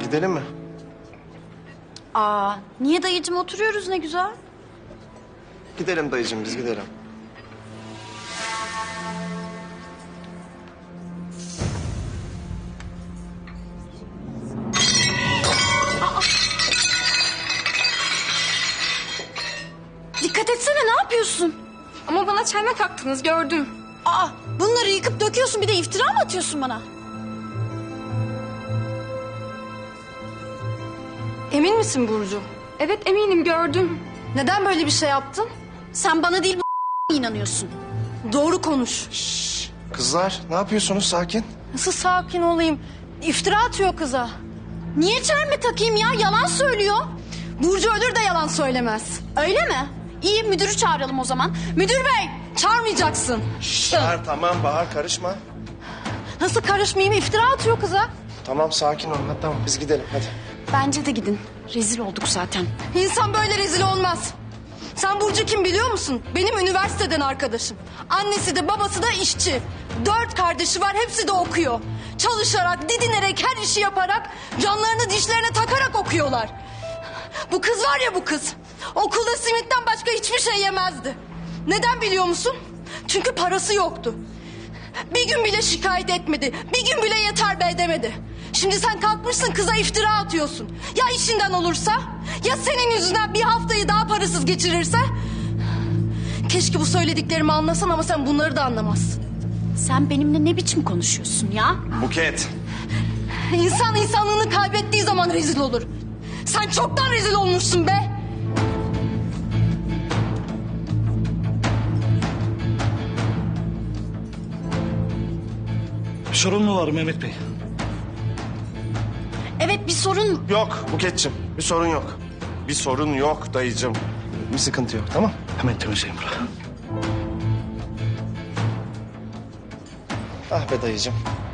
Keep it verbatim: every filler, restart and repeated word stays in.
Gidelim mi? Aa, niye dayıcım, oturuyoruz ne güzel. Gidelim dayıcığım, biz gidelim. Dikkat etsene, ne yapıyorsun? Ama bana çelme taktınız, gördüm. Aa, bunları yıkıp döküyorsun, bir de iftira mı atıyorsun bana? Emin misin Burcu? Evet eminim, gördüm. Neden böyle bir şey yaptın? Sen bana değil bu inanıyorsun. Doğru konuş. Kızlar, ne yapıyorsunuz? Sakin. Nasıl sakin olayım? İftira atıyor kıza. Niye çelme takayım ya? Yalan söylüyor. Burcu ölür de yalan söylemez. Öyle mi? İyi, müdürü çağıralım o zaman. Müdür bey! Çağırmayacaksın. Bahar, tamam Bahar, karışma. Nasıl karışmayayım? İftira atıyor kıza. Tamam, sakin ol. Tamam, biz gidelim, hadi. Bence de gidin. Rezil olduk zaten. İnsan böyle rezil olmaz. Sen Burcu kim biliyor musun? Benim üniversiteden arkadaşım. Annesi de babası da işçi. Dört kardeşi var, hepsi de okuyor. Çalışarak, didinerek, her işi yaparak, canlarını dişlerine takarak okuyorlar. Bu kız var ya bu kız. Okulda simitten başka hiçbir şey yemezdi. Neden biliyor musun? Çünkü parası yoktu. Bir gün bile şikayet etmedi. Bir gün bile yeter be demedi. Şimdi sen kalkmışsın kıza iftira atıyorsun. Ya işinden olursa? Ya senin yüzünden bir haftayı daha parasız geçirirse? Keşke bu söylediklerimi anlasan ama sen bunları da anlamazsın. Sen benimle ne biçim konuşuyorsun ya? Buket. İnsan insanlığını kaybettiği zaman rezil olur. Sen çoktan rezil olmuşsun be. Bir sorun mu var Mehmet Bey? Evet, bir sorun. Yok Buket'cim, bir sorun yok. Bir sorun yok dayıcığım. Bir sıkıntı yok, tamam? Hemen temizleyin burayı. Ah be dayıcığım.